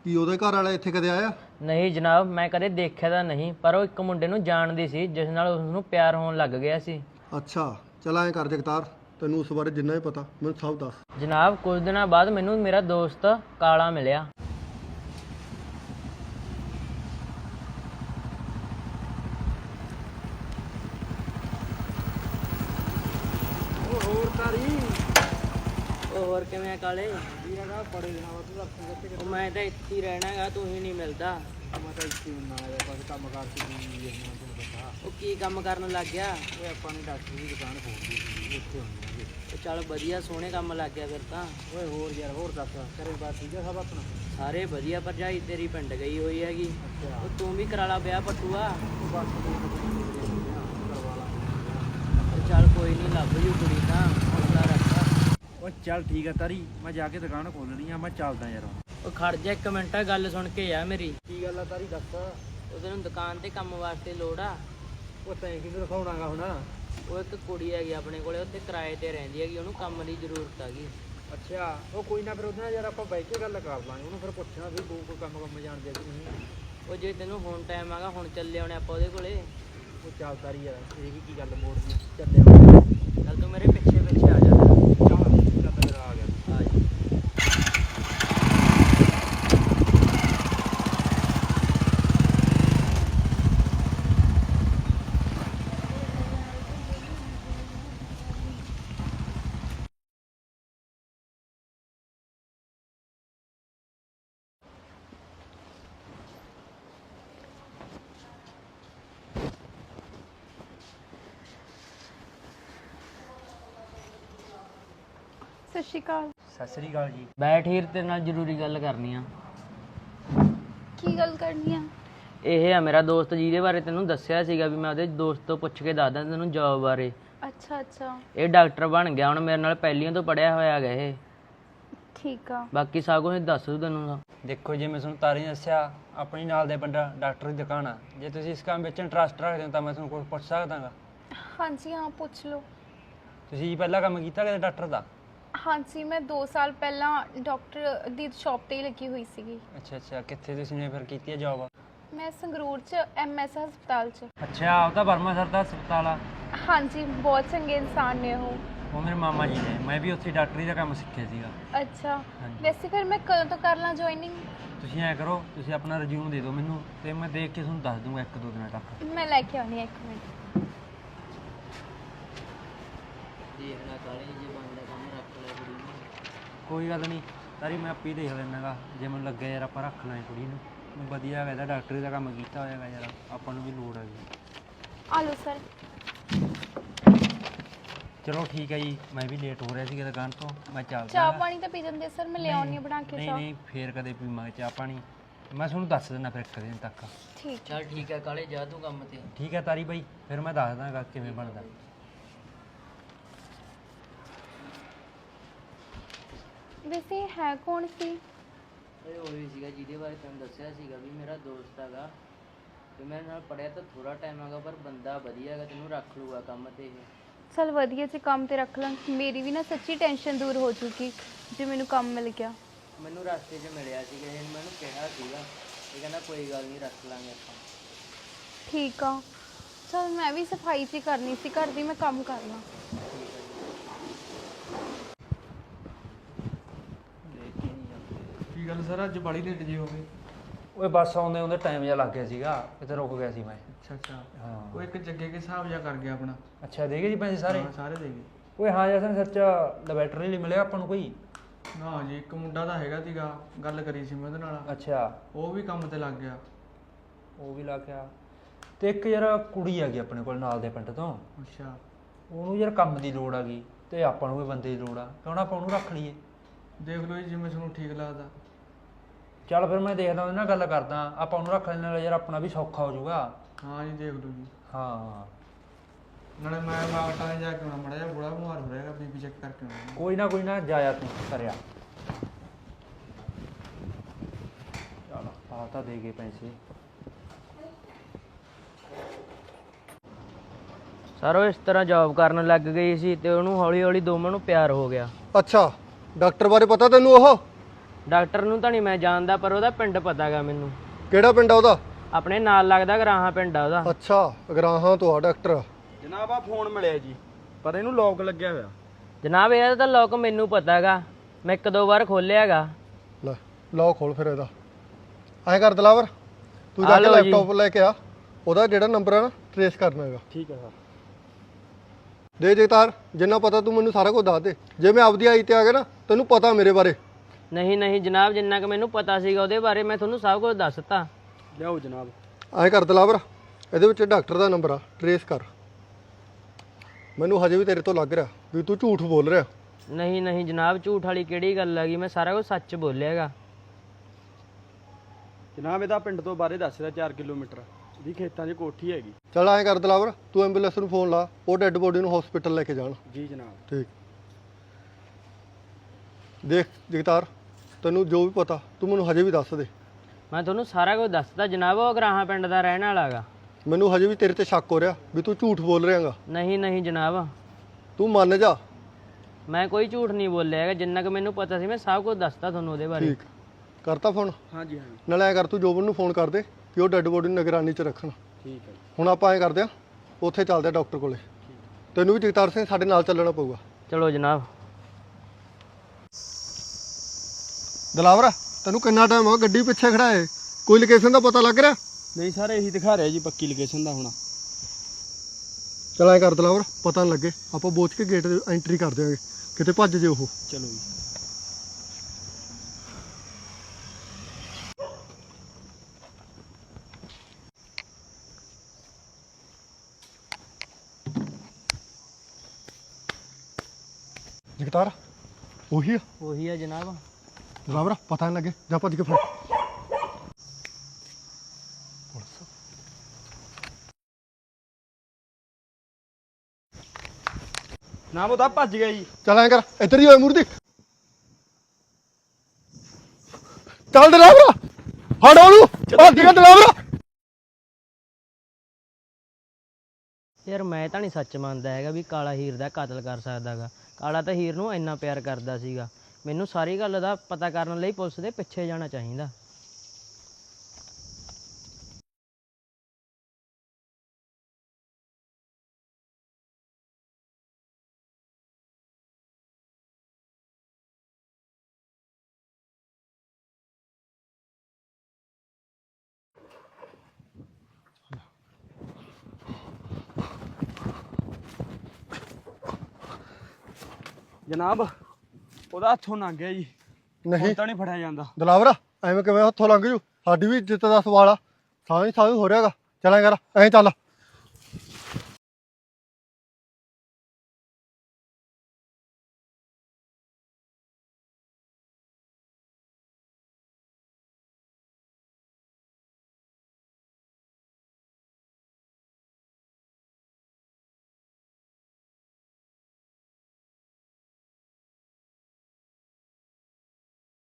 ਕੀ ਉਹਦੇ ਘਰ ਵਾਲਾ ਇੱਥੇ ਕਦੇ ਆਇਆ? ਨਹੀਂ ਜਨਾਬ, ਮੈਂ ਕਦੇ ਦੇਖਿਆ ਤਾਂ ਨਹੀਂ, ਪਰ ਉਹ ਇੱਕ ਮੁੰਡੇ ਨੂੰ ਜਾਣਦੀ ਸੀ ਜਿਸ ਨਾਲ ਉਸ ਨੂੰ ਪਿਆਰ ਹੋਣ ਲੱਗ ਗਿਆ ਸੀ। ਅੱਛਾ, ਚਲ ਐਂ ਕਰ ਜਗਤਾਰ, ਤੈਨੂੰ ਉਸ ਬਾਰੇ ਜਿੰਨਾ ਵੀ ਪਤਾ ਮੈਨੂੰ ਸਭ ਦੱਸ। ਜਨਾਬ, ਕੁਝ ਦਿਨਾਂ ਬਾਅਦ ਮੈਨੂੰ ਮੇਰਾ ਦੋਸਤ ਕਾਲਾ ਮਿਲਿਆ। ਹੋਰ ਕਿਵੇਂ ਆ ਕਾਲੇ? ਬੜੇ ਦਿਨਾਂ ਬਾਅਦ ਤੂੰ ਮੈਂ ਤਾਂ ਇੱਥੇ ਹੀ ਰਹਿਣਾ ਗਾ, ਤੂੰ ਹੀ ਨਹੀਂ ਮਿਲਦਾ। ਮੈਂ ਤਾਂ ਇੱਥੇ ਹੁੰਨਾ ਆ, ਬਸ ਕੰਮ ਕਾਰ ਸੀ ਉਹ ਕੀ ਕੰਮ ਕਰਨ ਲੱਗ ਗਿਆ? ਉਹ ਆਪਾਂ ਨੇ ਡਾਕਟਰ ਦੀ ਦੁਕਾਨ ਖੋਲ੍ਹੀ ਸੀ, ਇੱਥੇ ਹੁੰਦੇ ਆ। ਚੱਲ ਵਧੀਆ, ਸੋਹਣੇ ਕੰਮ ਲੱਗ ਗਿਆ ਫਿਰ ਤਾਂ। ਓਏ ਹੋਰ ਯਾਰ, ਹੋਰ ਦੱਸ ਘਰੇ ਬਾਤ ਠੀਕ ਆ ਸਭ ਆਪਣਾ? ਸਾਰੇ ਵਧੀਆ। ਭਰਜਾਈ ਤੇਰੀ ਪਿੰਡ ਗਈ ਹੋਈ ਹੈਗੀ। ਅੱਛਾ, ਉਹ ਤੂੰ ਵੀ ਕਰਾ ਲਾ ਵਿਆਹ ਪੱਟੂਆ। ਬਸ ਕਰਵਾ ਲਾਂਗੇ। ਚੱਲ ਕੋਈ ਨਹੀਂ, ਲੱਭ ਜੂ ਕੁੜੀ ਤਾਂ, ਹੌਸਲਾ ਰੱਖ। ਉਹ ਚੱਲ ਠੀਕ ਹੈ ਤਾਰੀ, ਮੈਂ ਜਾ ਕੇ ਦੁਕਾਨ ਖੋਲਣੀ ਆ, ਮੈਂ ਚੱਲਦਾ ਯਾਰ। ਉਹ ਖੜ ਜਾ ਇੱਕ ਮਿੰਟ, ਗੱਲ ਸੁਣ ਕੇ ਆ ਮੇਰੀ। ਕੀ ਗੱਲ ਆ ਤਾਰੀ, ਦੱਸ। ਉਹ ਤੈਨੂੰ ਦੁਕਾਨ ਤੇ ਕੰਮ ਵਾਸਤੇ ਲੋੜ ਆ। ਉਹ ਤੈਂ ਕਿਹਨੂੰ ਦਿਖਾਉਣਾਗਾ ਹੁਣ? ਉਹ ਇੱਕ ਕੁੜੀ ਹੈਗੀ ਆਪਣੇ ਕੋਲੇ, ਉੱਥੇ ਕਿਰਾਏ ਤੇ ਰਹਿੰਦੀ ਹੈਗੀ, ਉਹਨੂੰ ਕੰਮ ਦੀ ਜ਼ਰੂਰਤ ਹੈਗੀ। ਅੱਛਾ, ਉਹ ਕੋਈ ਨਾ, ਫਿਰ ਉਹਦੇ ਨਾਲ ਯਾਰ ਆਪਾਂ ਬਹਿ ਕੇ ਗੱਲ ਕਰ ਲਾਂਗੇ, ਉਹਨੂੰ ਫਿਰ ਪੁੱਛਣਾ ਵੀ ਕੋਈ ਕੰਮ ਜਾਣਦੇ ਕਿ ਨਹੀਂ। ਉਹ ਜੇ ਤੈਨੂੰ ਹੁਣ ਟਾਈਮ ਆਗਾ, ਹੁਣ ਚੱਲੇ ਆਉਣੇ ਆਪਾਂ ਉਹਦੇ ਕੋਲੇ। ਉਹ ਚੱਲ ਤਾਰੀ ਯਾਰ, ਇਹ ਵੀ ਕੀ ਗੱਲ ਮੋੜਨੀ, ਚੱਲੇ ਚੱਲ ਤੂੰ ਮੇਰੇ ਪਿੱਛੇ ਪਿੱਛੇ ਆ ਜਾ। ਮੇਰਾ ਆ ਗਿਆ। ਆ ਜਾ। ਸਤਿ ਸ਼੍ਰੀ ਅਕਾਲ। ਸਤਿ ਸ੍ਰੀ ਅਕਾਲ ਜੀ। ਬੈਠ ਹੀਰ, ਤੇਰੇ ਨਾਲ ਜ਼ਰੂਰੀ ਗੱਲ ਕਰਨੀ ਆ। ਕੀ ਗੱਲ ਕਰਨੀ ਆ? ਇਹ ਆ ਮੇਰਾ ਦੋਸਤ, ਜਿਹਦੇ ਬਾਰੇ ਤੈਨੂੰ ਦੱਸਿਆ ਸੀਗਾ ਵੀ ਮੈਂ ਉਹਦੇ ਦੋਸਤ ਤੋਂ ਪੁੱਛ ਕੇ ਦੱਸਦਾ ਤੈਨੂੰ ਜੌਬ ਬਾਰੇ। ਅੱਛਾ ਅੱਛਾ, ਇਹ ਡਾਕਟਰ ਬਣ ਗਿਆ ਹੁਣ, ਮੇਰੇ ਨਾਲ ਪਹਿਲੀਆਂ ਤੋਂ ਪੜਿਆ ਹੋਇਆ ਹੈਗਾ ਇਹ। ਠੀਕ ਆ। ਬਾਕੀ ਸਭ ਕੁਝ ਦੱਸ ਦੂ ਤੈਨੂੰ ਤਾਂ। ਦੇਖੋ, ਜਿਵੇਂ ਮੈਂ ਤੁਹਾਨੂੰ ਤਾਰੀ ਨੇ ਦੱਸਿਆ, ਆਪਣੀ ਨਾਲ ਦੇ ਬੰਦਾ ਡਾਕਟਰ ਦੀ ਦੁਕਾਨ ਆ। ਜੇ ਤੁਸੀਂ ਇਸ ਕੰਮ ਵਿੱਚ ਇੰਟਰਸਟ ਰੱਖਦੇ ਹੋ ਤਾਂ ਮੈਂ ਤੁਹਾਨੂੰ ਕੁਝ ਪੁੱਛ ਸਕਦਾਗਾ? ਹਾਂਜੀ ਹਾਂ, ਪੁੱਛ ਲਓ। ਤੁਸੀਂ ਪਹਿਲਾਂ ਕੰਮ ਕੀਤਾ ਕਦੇ ਡਾਕਟਰ ਦਾ? ਹਾਂਜੀ, ਮੈਂ 2 ਸਾਲ ਪਹਿਲਾਂ ਡਾਕਟਰ ਦੀ ਸ਼ਾਪ ਤੇ ਹੀ ਲੱਗੀ ਹੋਈ ਸੀਗੀ। ਅੱਛਾ ਅੱਛਾ, ਕਿੱਥੇ ਤੁਸੀਂ ਨੇ ਫਿਰ ਕੀਤੀ ਹੈ ਜੌਬ? ਮੈਂ ਸੰਗਰੂਰ 'ਚ MS ਹਸਪਤਾਲ 'ਚ। ਅੱਛਾ, ਉਹ ਤਾਂ ਵਰਮਾ ਸਰ ਦਾ ਹਸਪਤਾਲ ਆ। ਹਾਂਜੀ, ਬਹੁਤ ਚੰਗੇ ਇਨਸਾਨ ਨੇ ਉਹ। ਉਹ ਮੇਰੇ ਮਾਮਾ ਜੀ ਨੇ, ਮੈਂ ਵੀ ਉੱਥੇ ਡਾਕਟਰੀ ਦਾ ਕੰਮ ਸਿੱਖਿਆ ਸੀਗਾ। ਅੱਛਾ, ਹਾਂਜੀ। ਵੈਸੇ ਫਿਰ ਮੈਂ ਕਦੋਂ ਤੋਂ ਕਰ ਲਾਂ ਜੁਆਇਨਿੰਗ? ਤੁਸੀਂ ਐਂ ਕਰੋ, ਤੁਸੀਂ ਆਪਣਾ ਰਿਜ਼ਿਊਮ ਦੇ ਦਿਓ ਮੈਨੂੰ, ਤੇ ਮੈਂ ਦੇਖ ਕੇ ਤੁਹਾਨੂੰ ਦੱਸ ਦੂੰਗਾ 1-2 ਦਿਨਾਂ ਤੱਕ। ਮੈਂ ਲੈ ਕੇ ਆਉਣੀ ਆ, 1 ਮਿੰਟ। ਦੇਖਣਾ ਕਾਲੇ, ਜੇ ਬਣਦਾ ਕੰਮ ਰੱਖ ਲੈ ਕੁੜੀ ਨੂੰ। ਕੋਈ ਗੱਲ ਨਹੀਂ ਤਾਰੀ, ਮੈਂ ਆਪੇ ਦੇਖ ਲੈਣਾਗਾ, ਜੇ ਮੈਨੂੰ ਲੱਗਿਆ ਯਾਰ ਆਪਾਂ ਰੱਖ ਲਾਂ ਕੁੜੀ ਨੂੰ। ਵਧੀਆ ਹੈਗਾ, ਡਾਕਟਰੀ ਦਾ ਕੰਮ ਕੀਤਾ ਹੋਇਆਗਾ ਯਾਰ, ਆਪਾਂ ਨੂੰ ਵੀ ਲੋੜ ਹੈਗੀ। ਆ ਲਓ ਸਰ। ਚਲੋ ਠੀਕ ਹੈ ਜੀ, ਮੈਂ ਵੀ ਲੇਟ ਹੋ ਰਿਹਾ ਸੀਗਾ ਦੁਕਾਨ ਤੋਂ, ਮੈਂ ਚੱਲਦਾ। ਚਾਹ ਪਾਣੀ ਤਾਂ ਪੀ ਜਾਂਦੇ ਸਰ, ਮੈਂ ਲੈ ਆਉਣੀ ਆ ਬਣਾ ਕੇ ਨਹੀਂ ਚਾਹ। ਨਹੀਂ, ਫੇਰ ਕਦੇ ਪੀਵਾਂਗੇ ਚਾਹ ਪਾਣੀ, ਮੈਂ ਤੁਹਾਨੂੰ ਦੱਸ ਦਿੰਦਾ ਫਿਰ 1 ਦਿਨ ਤੱਕ। ਠੀਕ। ਚੱਲ ਠੀਕ ਹੈ ਕਾਲੇ, ਜਾ ਤੂੰ ਕੰਮ ਤੇ। ਠੀਕ ਹੈ ਤਾਰੀ ਬਾਈ, ਫਿਰ ਮੈਂ ਦੱਸ ਦਾਂਗਾ ਕਿਵੇਂ ਬਣਦਾ। ਵੈਸੇ ਹੈ ਕੌਣ ਸੀ? ਇਹ ਉਹੀ ਸੀਗਾ ਜਿਹਦੇ ਬਾਰੇ ਤੈਨੂੰ ਦੱਸਿਆ ਸੀਗਾ ਵੀ ਮੇਰਾ ਦੋਸਤ ਹੈਗਾ, ਤੇ ਮੇਰੇ ਨਾਲ ਪੜਿਆ ਤਾਂ ਥੋੜਾ ਟਾਈਮ ਹੈਗਾ, ਪਰ ਬੰਦਾ ਵਧੀਆ ਹੈਗਾ, ਤੈਨੂੰ ਰੱਖ ਲੂਗਾ ਕੰਮ ਤੇ ਇਹ। ਚਲ ਵਧੀਆ, ਜੇ ਕੰਮ ਤੇ ਰੱਖ ਲਾਂ, ਮੇਰੀ ਵੀ ਨਾ ਸੱਚੀ ਟੈਨਸ਼ਨ ਦੂਰ ਹੋ ਜੂਗੀ ਜੇ ਮੈਨੂੰ ਕੰਮ ਮਿਲ ਗਿਆ। ਮੈਨੂੰ ਰਸਤੇ 'ਚ ਮਿਲਿਆ ਸੀਗਾ, ਇਹਨੇ ਮੈਨੂੰ ਕਿਹਾ ਸੀਗਾ, ਇਹ ਕਹਿੰਦਾ ਕੋਈ ਗੱਲ ਨਹੀਂ, ਰੱਖ ਲਾਂਗੇ ਆਪਾਂ। ਠੀਕ ਆ। ਚਲ ਮੈਂ ਵੀ ਸਫਾਈ 'ਚ ਹੀ ਕਰਨੀ ਸੀ ਘਰ ਦੀ, ਮੈਂ ਕੰਮ ਕਰਨਾ। ਕੀ ਗੱਲ ਸਰ, ਅੱਜ ਬੜੀ ਲੇਟ ਜੀ ਹੋ ਗਏ? ਓਏ ਬੱਸ ਆਉਂਦੇ ਆਉਂਦੇ ਟਾਈਮ ਜਿਹਾ ਲੱਗ ਗਿਆ ਸੀਗਾ, ਕਿਤੇ ਰੁਕ ਗਿਆ ਸੀ ਮੈਂ। ਅੱਛਾ ਅੱਛਾ, ਹਾਂ। ਉਹ ਇੱਕ ਜੱਗੇ ਕੇ ਹਿਸਾਬ ਜਿਹਾ ਕਰ ਗਿਆ ਆਪਣਾ। ਅੱਛਾ, ਦੇ ਗਏ ਜੀ ਪੈਸੇ ਸਾਰੇ? ਹਾਂ, ਸਾਰੇ ਦੇ ਗਏ। ਓਏ ਹਾਂ ਜਸਨ, ਸੱਚ ਲੈਬੋਰੇਟਰੀ ਲਈ ਮਿਲਿਆ ਆਪਾਂ ਨੂੰ ਕੋਈ? ਨਾ ਜੀ, ਇੱਕ ਮੁੰਡਾ ਤਾਂ ਹੈਗਾ ਸੀਗਾ, ਗੱਲ ਕਰੀ ਸੀ ਮੈਂ ਉਹਦੇ ਨਾਲ, ਅੱਛਾ, ਉਹ ਵੀ ਕੰਮ ਤੇ ਲੱਗ ਗਿਆ। ਉਹ ਵੀ ਲੱਗ ਗਿਆ। ਤੇ ਇੱਕ ਯਾਰ ਕੁੜੀ ਆ ਗਈ ਆਪਣੇ ਕੋਲ ਨਾਲ ਦੇ ਪਿੰਡ ਤੋਂ, ਅੱਛਾ, ਉਹਨੂੰ ਯਾਰ ਕੰਮ ਦੀ ਲੋੜ ਆ ਗਈ, ਤੇ ਆਪਾਂ ਨੂੰ ਵੀ ਬੰਦੇ ਦੀ ਲੋੜ ਆ, ਕਿਉਂ ਨਾ ਆਪਾਂ ਉਹਨੂੰ ਰੱਖ ਲਈਏ? ਦੇਖ ਲਓ ਜੀ, ਜਿਵੇਂ ਤੁਹਾਨੂੰ ਠੀਕ ਲੱਗਦਾ। ਚੱਲ ਫਿਰ ਮੈਂ ਦੇਖਦਾ, ਉਹਦੇ ਨਾਲ ਗੱਲ ਕਰਦਾ, ਆਪਾਂ ਉਹਨੂੰ ਰੱਖ ਲੈਣ ਨਾਲ ਯਾਰ ਆਪਣਾ ਵੀ ਸੌਖਾ ਹੋ ਜਾਊਗਾ। ਹਾਂ ਜੀ, ਦੇਖ ਲਓ ਜੀ। ਹਾਂ, ਨਾਲੇ ਮੈਂ ਬਾਗਟਾਂ ਜਾ ਕੇ ਆਉਣਾ, ਮੜਾ ਜਿਹਾ ਬੁੜਾ ਬਿਮਾਰ ਹੋ ਰਿਹਾ, ਬੀਪੀ ਚੈੱਕ ਕਰਕੇ ਆਉਣਾ। ਕੋਈ ਨਾ ਜਾਇਆ ਤੂੰ ਕਰਿਆ। ਚਲ ਆ ਤਾਂ ਦੇ ਗਏ ਪੈਸੇ। ਸਰ ਉਹ ਇਸ ਤਰ੍ਹਾਂ ਜੌਬ ਕਰਨ ਲੱਗ ਗਈ ਸੀ, ਤੇ ਉਹਨੂੰ ਹੌਲੀ ਹੌਲੀ ਦੋਵਾਂ ਨੂੰ ਪਿਆਰ ਹੋ ਗਿਆ। ਅੱਛਾ, ਡਾਕਟਰ ਬਾਰੇ ਪਤਾ ਤੈਨੂੰ? ਉਹ ਡਾਕਟਰ ਨੂੰ ਤਾਂ ਨਹੀਂ ਮੈਂ ਜਾਣਦਾ, ਪਰ ਉਹਦਾ ਪਿੰਡ ਪਤਾਗਾ ਮੈਨੂੰ। ਕਿਹੜਾ ਪਿੰਡ ਆ ਉਹਦਾ? ਆਪਣੇ ਨਾਲ ਲੱਗਦਾ ਗਰਾਹਾਂ ਪਿੰਡ ਆ ਉਹਦਾ। ਅੱਛਾ, ਅਗਰਾਹਾਂ ਤੋਂ ਆ ਡਾਕਟਰ। ਜਨਾਬ ਆ ਫੋਨ ਮਿਲਿਆ ਜੀ, ਪਰ ਇਹਨੂੰ ਲੌਕ ਲੱਗਿਆ ਹੋਇਆ। ਜਨਾਬ ਇਹਦਾ ਤਾਂ ਲੋਕ ਮੈਨੂੰ ਪਤਾਗਾ, ਮੈਂ 1-2 ਵਾਰ ਖੋਲਿਆਗਾ। ਲੈ ਲਓ ਖੋਲ ਫਿਰ ਇਹਦਾ। ਐਂ ਕਰ ਦਲਾਵਰ, ਤੂੰ ਜਾ ਕੇ ਲਓ ਜੀ। ਲੈਪਟਾਪ ਲੈ ਕੇ ਆ, ਉਹਦਾ ਜਿਹੜਾ ਨੰਬਰ ਹੈ ਨਾ ਟਰੇਸ ਕਰਨਾ ਹੈਗਾ। ਠੀਕ ਹੈ ਸਰ। ਦੇ ਜਗਤਾਰ, ਜਿੰਨਾ ਪਤਾ ਤੂੰ ਮੈਨੂੰ ਸਾਰਾ ਕੁਝ ਦੱਸ ਦੇ। ਜੇ ਮੈਂ ਆਪਦੀ ਆਈ ਤੇ ਆ ਗਿਆ ਨਾ, ਤੈਨੂੰ ਪਤਾ ਮੇਰੇ ਬਾਰੇ। ਨਹੀਂ ਜਨਾਬ, ਜਿੰਨਾ ਕਿ ਮੈਨੂੰ ਪਤਾ ਸੀਗਾ ਉਹਦੇ ਬਾਰੇ ਮੈਂ ਤੁਹਾਨੂੰ ਸਭ ਕੁਝ ਦੱਸਤਾ। ਲਿਆਓ ਜਨਾਬ। ਐਂ ਕਰ ਦਲਾਵਰ, ਇਹਦੇ ਵਿੱਚ ਡਾਕਟਰ ਦਾ ਨੰਬਰ ਆ, ਟਰੇਸ ਕਰ। ਮੈਨੂੰ ਹਜੇ ਵੀ ਤੇਰੇ ਤੋਂ ਲੱਗ ਰਿਹਾ ਵੀ ਤੂੰ ਝੂਠ ਬੋਲ ਰਿਹਾ। ਨਹੀਂ ਜਨਾਬ, ਝੂਠ ਵਾਲੀ ਕਿਹੜੀ ਗੱਲ ਹੈਗੀ, ਮੈਂ ਸਾਰਾ ਕੁਝ ਸੱਚ ਬੋਲਿਆਗਾ। ਜਨਾਬ ਇਹਦਾ ਪਿੰਡ ਤੋਂ ਬਾਹਰੇ ਦੱਸ ਰਿਹਾ 4 ਕਿਲੋਮੀਟਰ ਦੀ ਖੇਤਾਂ 'ਚ ਕੋਠੀ ਹੈਗੀ। ਚੱਲ ਐਂ ਕਰ ਦਲਾਵਰ, ਤੂੰ ਐਂਬੂਲੈਂਸ ਨੂੰ ਫੋਨ ਲਾ, ਉਹ ਡੈੱਡ ਬੋਡੀ ਨੂੰ ਹਸਪੀਟਲ ਲੈ ਕੇ ਜਾਣ। ਜੀ ਜਨਾਬ। ਠੀਕ। ਦੇਖ ਜਗਤਾਰ, ਤੈਨੂੰ ਜੋ ਵੀ ਪਤਾ ਤੂੰ ਮੈਨੂੰ ਹਜੇ ਵੀ ਦੱਸ ਦੇ। ਮੈਂ ਤੁਹਾਨੂੰ ਸਾਰਾ ਕੁਝ ਦੱਸਦਾ ਜਨਾਬ, ਉਹ ਗਰਾਹਾਂ ਪਿੰਡ ਦਾ ਰਹਿਣ ਵਾਲਾਗਾ। ਮੈਨੂੰ ਹਜੇ ਵੀ ਤੇਰੇ ਤੇ ਸ਼ੱਕ ਹੋ ਰਿਹਾ ਵੀ ਤੂੰ ਝੂਠ ਬੋਲ ਰਿਹਾਗਾ। ਨਹੀਂ ਜਨਾਬ, ਤੂੰ ਮੰਨ ਜਾ। ਮੈਂ ਕੋਈ ਝੂਠ ਨਹੀਂ ਬੋਲਿਆ ਹੈਗਾ, ਜਿੰਨਾ ਕਿ ਮੈਨੂੰ ਪਤਾ ਸੀ ਮੈਂ ਸਭ ਕੁਝ ਦੱਸਤਾ ਤੁਹਾਨੂੰ ਉਹਦੇ ਬਾਰੇ। ਠੀਕ, ਕਰਤਾ ਫੋਨ? ਹਾਂਜੀ। ਨਾਲੇ ਐਂ ਕਰ, ਤੂੰ ਜੋਬਨ ਨੂੰ ਫੋਨ ਕਰ ਦੇ ਕਿ ਉਹ ਡੈੱਡ ਬੋਡੀ ਨੂੰ ਨਿਗਰਾਨੀ 'ਚ ਰੱਖਣ। ਠੀਕ ਹੈ। ਹੁਣ ਆਪਾਂ ਐਂ ਕਰਦੇ ਆ, ਉੱਥੇ ਚੱਲਦੇ ਆ ਡਾਕਟਰ ਕੋਲੇ। ਤੈਨੂੰ ਵੀ ਜਗਤਾਰ ਸਿੰਘ ਸਾਡੇ ਨਾਲ ਚੱਲਣਾ ਪਊਗਾ। ਚਲੋ ਜਨਾਬ। ਦਲਾਵਰ, ਤੈਨੂੰ ਕਿੰਨਾ ਟਾਈਮ ਹੋ ਗਿਆ ਗੱਡੀ ਪਿੱਛੇ ਖੜਾ ਹੈ? ਕੋਈ ਲੋਕੇਸ਼ਨ ਦਾ ਪਤਾ ਲੱਗ ਰਿਹਾ? ਨਹੀਂ ਸਰ, ਇਹੀ ਦਿਖਾ ਰਿਹਾ ਜੀ ਪੱਕੀ ਲੋਕੇਸ਼ਨ ਦਾ। ਹੁਣ ਚਲ ਐਂ ਕਰ ਦਲਾਵਰ, ਪਤਾ ਨਾ ਲੱਗੇ, ਆਪਾਂ ਬੋਚ ਕੇ ਗੇਟ ਦੇ ਐਂਟਰੀ ਕਰ ਦਿਆਂਗੇ, ਕਿਤੇ ਭੱਜ ਜੇ ਉਹ। ਚਲੋ ਜੀ। ਜਗਤਾਰ ਉਹੀ ਆ? ਉਹੀ ਆ ਜਨਾਬ। ਦਲਾਵਰ ਪਤਾ ਨਾ ਲੱਗੇ, ਜਾ ਭੱਜ ਕੇ ਫੜ। ਜਨਾਬ ਉਹ ਤਾਂ ਭੱਜ ਗਿਆ ਜੀ। ਚੱਲ ਐਂ ਕਰ, ਇੱਧਰ ਹੀ ਹੋਏ ਮੂਰਤੀ। ਚੱਲ ਦਲਾਵਰ, ਫੜ ਉਹਨੂੰ, ਭੱਜ ਗਿਆ ਦਲਾਵਰ। ਯਾਰ ਮੈਂ ਤਾਂ ਨਹੀਂ ਸੱਚ ਮੰਨਦਾ ਹੈਗਾ ਵੀ ਕਾਲਾ ਹੀਰ ਦਾ ਕਤਲ ਕਰ ਸਕਦਾਗਾ। ਕਾਲਾ ਤਾਂ ਹੀਰ ਨੂੰ ਇੰਨਾ ਪਿਆਰ ਕਰਦਾ ਸੀਗਾ। ਮੈਨੂੰ ਸਾਰੀ ਗੱਲ ਦਾ ਪਤਾ ਕਰਨ ਲਈ ਪੁਲਿਸ ਦੇ ਪਿੱਛੇ ਜਾਣਾ ਚਾਹੀਦਾ। ਜਨਾਬ ਉਹਦਾ ਹੱਥੋਂ ਲੰਘ ਗਿਆ ਜੀ। ਨਹੀਂ ਹੁਣ ਤਾਂ ਨਹੀਂ ਫੜਿਆ ਜਾਂਦਾ। ਦਲਾਵਰ, ਐਵੇਂ ਕਿਵੇਂ ਹੱਥੋਂ ਲੰਘ ਜੂ? ਸਾਡੀ ਵੀ ਇੱਜ਼ਤ ਦਾ ਸਵਾਲ ਆ। ਸਾਂ ਹੀ ਹੋ ਰਿਹਾਗਾ। ਚੱਲ ਐਂ ਕਰ, ਐਂ ਚੱਲ।